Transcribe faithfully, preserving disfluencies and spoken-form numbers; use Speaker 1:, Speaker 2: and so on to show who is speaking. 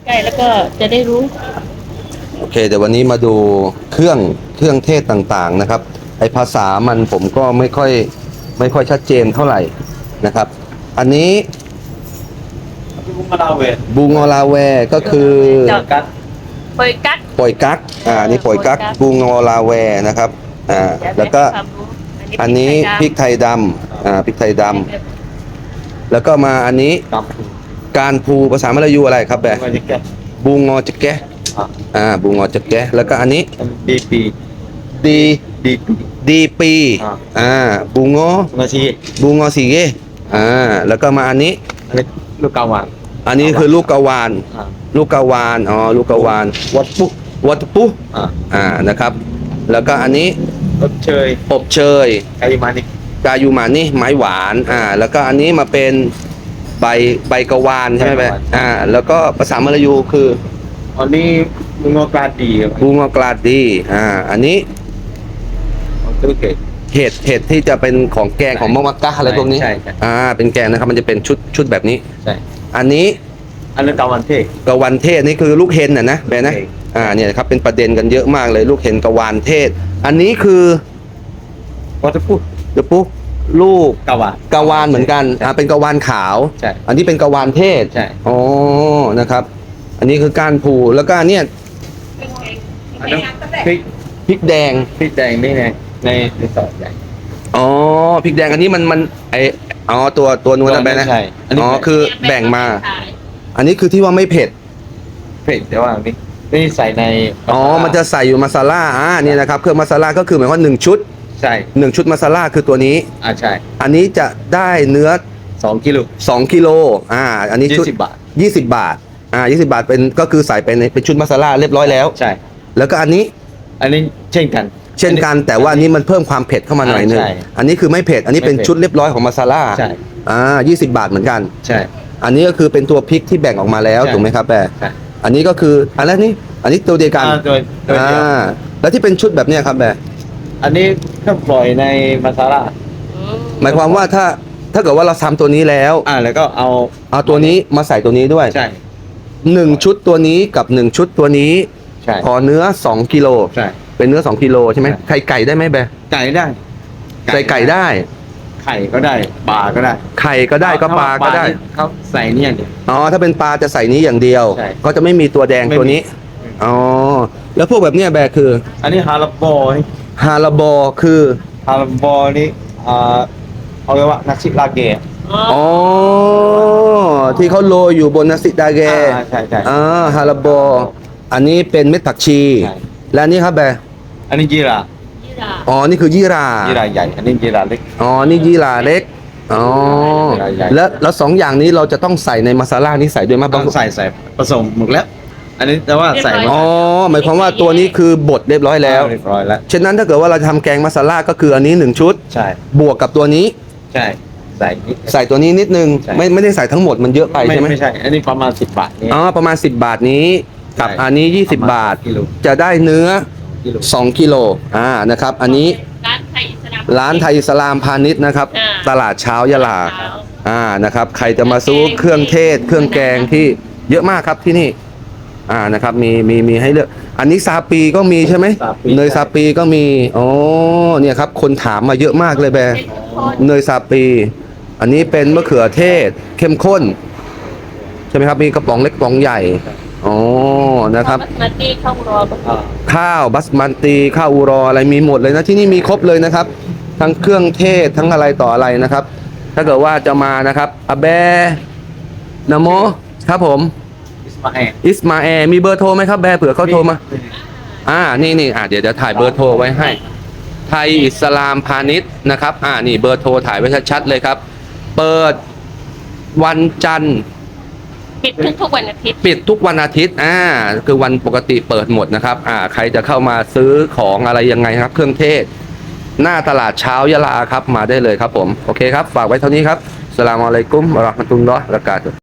Speaker 1: ใกล้แล้วก็จะได้รู้
Speaker 2: โอเคเดี๋ยววันนี้มาดูเครื่องเครื่องเทศต่างๆนะครับไอภาษามันผมก็ไม่ค่อยไม่ค่อยชัดเจนเท่าไหร่นะครับอันนี้
Speaker 3: บุงมาลาเว
Speaker 2: บูงอลาแวก็คือ
Speaker 3: กัด
Speaker 1: ปอยกัด
Speaker 2: ป่อยกักอ่านี่ป่อยกักบูงอลาแวนะครับอ่าแล้วก็อันนี้พริกไทยดำอ่าพริกไทยดำแล้วก็มาอันนี้
Speaker 3: กับ
Speaker 2: การพูภาษามลายูอะไรครับแบ
Speaker 3: มาจิกแก
Speaker 2: บูงอจะแกะอ่าบูงอจะแกะแล้วก็อันนี้
Speaker 3: ดีปี
Speaker 2: ดี
Speaker 3: ดีปี
Speaker 2: ดีปีอ่าบูงอ
Speaker 3: มาซี
Speaker 2: บูงอสีเกอ่าแล้วก็มาอันนี้
Speaker 3: อันนี้ลูกกาวาน
Speaker 2: อันนี้คือลูกกาวานลูกกาวานอ๋อลูกกาวานวัดปุ๊วัดปุ๊อ่านะครับแล้วก็อันนี้
Speaker 3: อบเชย
Speaker 2: อบเชย
Speaker 3: กายูมานิ
Speaker 2: กายูมานี่ไม้หวานอ่าแล้วก็อันนี้มาเป็นใบใบกะวานใช่ไหมแบอ่าแล้วก็ภาษามลายูคือ
Speaker 3: อันนี้บุงอกลาดี
Speaker 2: บุงอกลาดีอ่าอันนี้
Speaker 3: ตุเกต
Speaker 2: เห็ดเห็ดที่จะเป็นของแกงของมะมักกะอะไรพวกนี้อ่าเป็นแกงนะครับมันจะเป็นชุดชุดแบบนี้
Speaker 3: ใช่
Speaker 2: อันนี้
Speaker 3: อันนี้กาวันเทศ
Speaker 2: กะวันเทศนี่คือลูกเห็นน่ะนะแบนะอ่าเนี่ยครับเป็นประเด็นกันเยอะมากเลยลูกเห็นกะวานเทศอันนี้คือ
Speaker 3: วัตถุปุ๊
Speaker 2: เดี๋ยวปุ๊ลูก
Speaker 3: กาวาน
Speaker 2: กะวานเหมือนกันอ่าเป็นกะวานขาว
Speaker 3: ใช่
Speaker 2: อันนี้เป็นกะวานเทศ
Speaker 3: ใช่
Speaker 2: อ๋อนะครับอันนี้คือก้านผูแล้วก็เนี่ย
Speaker 3: พริก
Speaker 2: พริกแดง
Speaker 3: พริกแดงนี่ไงในในซอยใหญ่
Speaker 2: อ๋อพริกแดงอันนี้มันมันไออ๋อตัวตัวนู้นนะแบนะอ๋อคือแบ่งมาอันนี้คือที่ว่าไม่เผ็ด
Speaker 3: เผ็ดแต่ว่านี่นี่ใส่ใน
Speaker 2: อ๋อมันจะใส่อยู่มาซาล่าอ่านี่นะครับเครื่องมาซาล่าก็คือหมายว่าหนึ่งชุด
Speaker 3: ใช่
Speaker 2: หนึ่งชุดมาซาล่าคือตัวนี้
Speaker 3: อ่าใช่
Speaker 2: อันนี้จะได้เนื้อ
Speaker 3: สองกิโล
Speaker 2: สองกิโลอ่าอันนี้ชุด
Speaker 3: ยี่สิบบาท
Speaker 2: ยี่สิบบาทอ่ายี่สิบบาทเป็นก็คือใส่เป็นเป็นชุดมาซาล่าเรียบร้อยแล้ว
Speaker 3: ใช่
Speaker 2: แล้วก็อันนี้
Speaker 3: อันนี้เช่นกัน
Speaker 2: เช่นกันแต่ว่าอันนี้มันเพิ่มความเผ็ดเข้ามาหน่อยนึงอันนี้คือไม่เผ็ดอันนี้เป็นชุดเรียบร้อยของมาซาล่า
Speaker 3: ใช่
Speaker 2: อ่ายี่สิบบาทเหมือนกัน
Speaker 3: ใช่
Speaker 2: อันนี้ก็คือเป็นตัวพริกที่แบ่งออกมาแล้วถูกไหมครับแปะอันนี้ก็คืออันแรกนี่อันนี้ตัวเดียวกันอ่าแล้วที่เป็นชุดแบบเนี้ยครับแปะ
Speaker 3: อันนี้ก็ปล่อยในมาซาล่า
Speaker 2: หมายความว่าถ้าถ้าเกิดว่าเราทำตัวนี้แล้ว
Speaker 3: อ่าแล้วก็เอา
Speaker 2: เอาตัวนี้มาใส่ตัวนี้ด้วย
Speaker 3: ใช่
Speaker 2: หนึ่งชุดตัวนี้กับหนึ่งชุดตัวนี้
Speaker 3: ใช่
Speaker 2: พอเนื้อสองกิโล
Speaker 3: ใช่
Speaker 2: เป็นเนื้อสองกิโลใช่ไหมไข่ไก่ได้ไหมแบะ
Speaker 3: ไก่ได้
Speaker 2: ใส่ไก่ได้
Speaker 3: ไข่ก็ได้ปลาก็ได้
Speaker 2: ไข่ก็ได้ก็ปลาก็ได้
Speaker 3: เขาใส่นี่อย่างเดียว
Speaker 2: อ๋อถ้าเป็นปลาจะใส่นี้อย่างเดียวก็จะไม่มีตัวแดงตัวนี้อ๋อแล้วพวกแบบเนี้ยแบะคือ
Speaker 3: อันนี้ฮาลาโบ
Speaker 2: ฮาลาโบคือ
Speaker 3: ฮาลาโบนี่อ่าเอาไว้ว่านักชิลาเกะ
Speaker 2: อ๋อที่เขาโรยอยู่บนนาซิดาเกะ
Speaker 3: ใช่ใช่
Speaker 2: อ่าฮาลาโบอันนี้เป็นเม็ดผักชีและอันนี้ครับแบะ
Speaker 3: อันนี้ยีรา
Speaker 2: อ๋อนี่คือยี่รา
Speaker 3: ยีราใหญ่อันนี้ยีราเล็ก
Speaker 2: อ๋อนี่ยี่ราเล็กอ๋อแล้วแล้วสองอย่างนี้เราจะต้องใส่ในมาซาล่านี้ใส่ด้วยไหม
Speaker 3: ต้องใส่ใส่ผสมหมดแล้วอันนี้แต่ว่าใส่
Speaker 2: อ๋อหมายความว่าตัวนี้คือบดเรียบร้อยแล้ว
Speaker 3: เรียบร้อยแล้ว
Speaker 2: ฉะนั้นถ้าเกิดว่าเราทำแกงมาซาล่าก็คืออันนี้หนึ่งชุด
Speaker 3: ใช่
Speaker 2: บวกกับตัวนี้
Speaker 3: ใช่ใส่
Speaker 2: ใส่ตัวนี้นิดนึงไม่ไม่ได้ใส่ทั้งหมดมันเยอะไปใช่ไหม
Speaker 3: ไม่ใช่อันนี้ประมาณสิบบาท
Speaker 2: อ๋อประมาณสิบบาทนี้กับอันนี้ยี่สิบบาทจะได้เนื้อสองกิโลอ่านะครับอันนี้ร้านไทยอิสลามพาณิชย์นะครับตลาดเช้ายะลาอ่านะครับใครจะมาซื้อเครื่องเทศเครื่องแกงที่เยอะมากครับที่นี่อ่านะครับมีมีมีให้เลือกอันนี้ซาปีก็มีใช่ไหมเนยซาปีก็มีอ๋อเนี่ยครับคนถามมาเยอะมากเลยแบเนยซาปีอันนี้เป็นมะเขือเทศเข้มข้นใช่ไหมครับมีกระป๋องเล็กกระป๋องใหญ่อ๋อนะครับข้าวบัสมันตีข้าวอูรออะไรมีหมดเลยนะที่นี่มีครบเลยนะครับทั้งเครื่องเทศทั้งอะไรต่ออะไรนะครับถ้าเกิดว่าจะมานะครับอาเบนะโมครับผมอิสมาแอร์มีเบอร์โทรไหมครับแบเผื่อเขาโทรมาอ่านี่นี่อ่าเดี๋ยวจะถ่ายเบอร์โทรไว้ให้ไทยอิสลามพาณิชย์นะครับอ่านี่เบอร์โทรถ่ายไว้ชัดๆเลยครับเปิดวันจันทร์
Speaker 1: ปิดทุกทุกวันอาทิตย์
Speaker 2: ปิดทุกวันอาทิตย์อ่าคือวันปกติเปิดหมดนะครับอ่าใครจะเข้ามาซื้อของอะไรยังไงครับเครื่องเทศหน้าตลาดเช้ายะลาครับมาได้เลยครับผมโอเคครับฝากไว้เท่านี้ครับอัสสลามุอะลัยกุมวะเราะห์มะตุลลอฮ์วะบะเราะกาตุฮ์